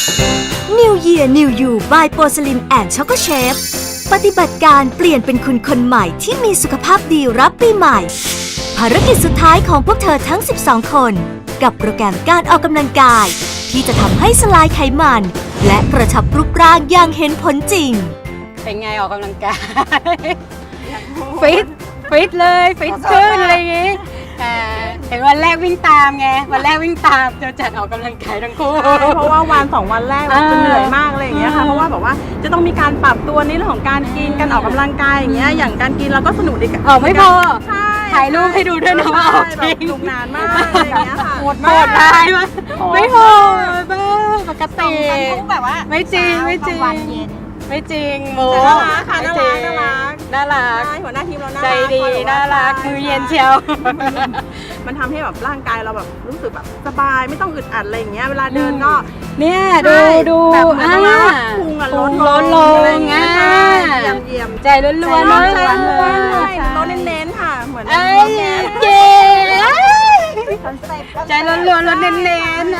New Year New You by Porcelain and Choco Chef ปฏิบัติการเปลี่ยนเป็นคุณคนใหม่ที่มีสุขภาพดีรับปีใหม่ ภารกิจสุดท้ายของพวกเธอทั้ง 12 คน กับโปรแกรมการออกกำลังกาย ที่จะทำให้สลายไขมัน และกระชับรูปร่างอย่างเห็นผลจริงเป็นไงออกกำลังกายฟิตเลยฟิตขึ้นอะไรอย่างงี้เห็นวันแรกวิ่งตามไงวันแรกวิ่งตามจะจัดออกกำลังกายทั้งคู่เพราะว่าวัน2 วันแรกเราจะเหนื่อยมากอะไรอย่างเงี้ยค่ะเพราะว่าแบบว่าจะต้องมีการปรับตัวในเรื่องของการกินการออกกำลังกายอย่างเงี้ยอย่างการกินเราก็สนุกดีกันไม่พอใช่ถ่ายรูปให้ดูด้วยนะว่าออกจริงสนุกนานมากอะไรอย่างเงี้ยค่ะโหดร้ายมากไม่โหดบ้าปกติแบบว่าไม่จริงไม่จริงไม่จริงโมน่ารักค่ะน่ารักหัวหน้าทีมเราน่ารักใจดีน่ารักมือเย็นเชียวมันทำให้แบบร่างกายเราแบบรู้สึกแบบสบายไม่ต้องอึดอัดอะไรอย่างเงี้ยเวลาเดินก็เนี่ยดูแบบเหมือนว่าพุงอะลดลงเยี่ยมใจล้วนๆใจล้วนๆเน้นๆค่ะเหมือนเย้ใจล้วนๆเน้นๆ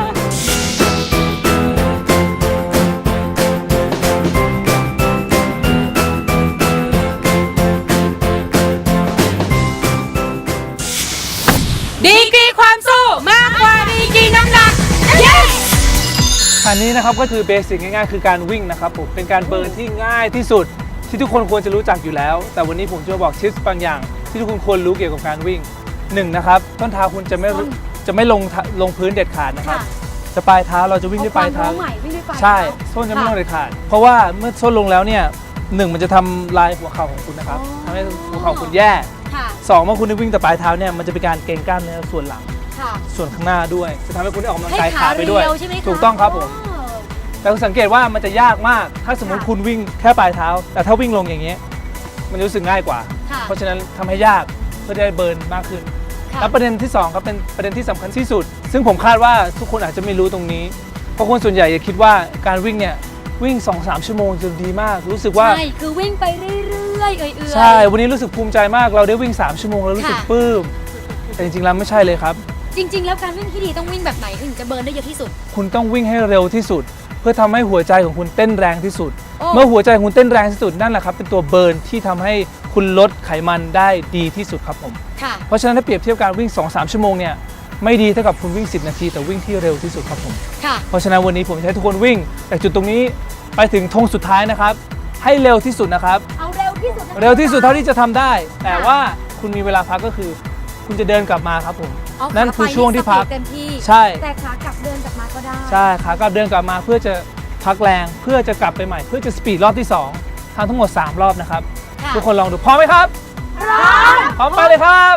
ดีกรีความสู้มากกว่าดีกรีน้ำหนัก yes อันนี้นะครับก็คือเบสิกง่ายๆคือการวิ่งนะครับผมเป็นการเบิร์นที่ง่ายที่สุดที่ทุกคนควรจะรู้จักอยู่แล้วแต่วันนี้ผมจะบอกทิปบางอย่างที่ทุกคนควรรู้เกี่ยวกับการวิ่ง1นะครับต้นเท้าคุณจะไม่ลงพื้นเด็ดขาดนะครับจะปลายเท้าเราจะวิ่งด้วยปลายเท้าใช่ส้นจะไม่ลงเด็ดขาดเพราะว่าเมื่อส้นลงแล้วเนี่ย1มันจะทำลายหัวเข่าของคุณนะครับทำให้หัวเข่าคุณแย่2เมื่อคุณวิ่งแต่ปลายเท้าเนี่ยมันจะเป็นการเกร็งกล้ามเนื้อส่วนหลังส่วนข้างหน้าด้วยจะทำให้คุณได้ออกกำลังกายขาไปด้วยถูกต้องครับผมแต่คุณสังเกตว่ามันจะยากมากถ้าสมมติคุณวิ่งแค่ปลายเท้าแต่ถ้าวิ่งลงอย่างเงี้ยมันรู้สึกง่ายกว่าเพราะฉะนั้นทำให้ยากเพื่อได้เบิร์นมากขึ้นและประเด็นที่2ครับเป็นประเด็นที่สำคัญที่สุดซึ่งผมคาดว่าทุกคนอาจจะไม่รู้ตรงนี้เพราะคนส่วนใหญ่จะคิดว่าการวิ่งเนี่ยวิ่ง 2-3 ชั่วโมงจะดีมากรู้สึกว่าใช่คือวิ่งไปเรื่อยๆใช่วันนี้รู้สึกภูมิใจมากเราได้วิ่ง3ชั่วโมงแล้วรู้สึกปลื้มแต่จริงๆแล้วไม่ใช่เลยครับจริงๆแล้วการวิ่งที่ดีต้องวิ่งแบบไหนถึงจะเบิร์นได้เยอะที่สุดคุณต้องวิ่งให้เร็วที่สุดเพื่อทำให้หัวใจของคุณเต้นแรงที่สุดเมื่อหัวใจของคุณเต้นแรงที่สุดนั่นแหละครับเป็นตัวเบิร์นที่ทำให้คุณลดไขมันได้ดีที่สุดครับผมเพราะฉะนั้นถ้าเปรียบเทียบการวิ่ง 2-3 ชั่วโมงเนี่ยไม่ดีเท่ากับคุณวิ่ง10 นาทีแต่วิ่งที่เร็วที่สุดครับผมเพราะฉะนั้นวันนี้ผมจะให้ทุกคนวิ่งจากจุดตรงนี้ไปถึงธงสุดท้ายนะครับให้เร็วที่สุดนะครับเอาเร็วที่สุดเร็วที่สุดเท่าที่จะทำได้แต่ว่าคุณมีเวลาพักก็คือคุณจะเดินกลับมาครับผมนั่นคือช่วงที่พักใช่แต่ขากลับเดินกลับมาก็ได้ใช่ขากลับเดินกลับมาเพื่อจะพักแรงเพื่อจะกลับไปใหม่เพื่อจะสปีดรอบที่2ทำทั้งหมด3รอบนะครับทุกคนลองดูพร้อมไหมครับพร้อมไปเลยครับ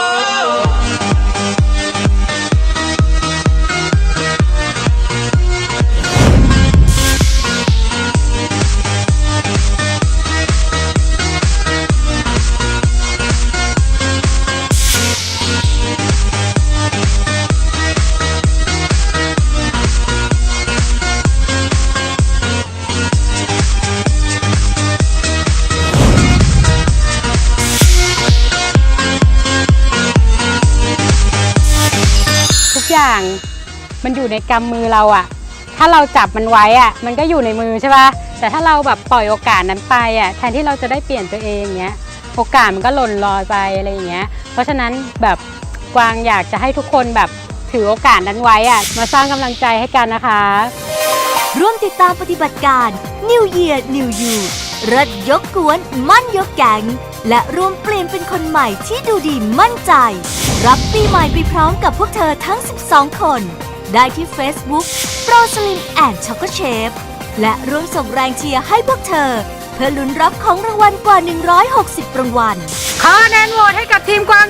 อย่างมันอยู่ในกำมือเราอะถ้าเราจับมันไว้อะมันก็อยู่ในมือใช่ป่ะแต่ถ้าเราแบบปล่อยโอกาสนั้นไปอะแทนที่เราจะได้เปลี่ยนตัวเองเงี้ยโอกาสมันก็หล่นลอยไปอะไรอย่างเงี้ยเพราะฉะนั้นแบบกวางอยากจะให้ทุกคนแบบถือโอกาสนั้นไว้อะมาสร้างกำลังใจให้กันนะคะร่วมติดตามปฏิบัติการ New Year New You เริดยกกวนมั่นยกแก๊งและร่วมเปลี่ยนเป็นคนใหม่ที่ดูดีมั่นใจรับปีใหม่ไปพร้อมกับพวกเธอทั้ง12คนได้ที่ Facebook Porcelain and Choco Chef และร่วมส่งแรงเชียร์ให้พวกเธอเพื่อลุ้นรับของรางวัลกว่า160รางวัลขอคะแนนโหวตให้กับทีมกวาง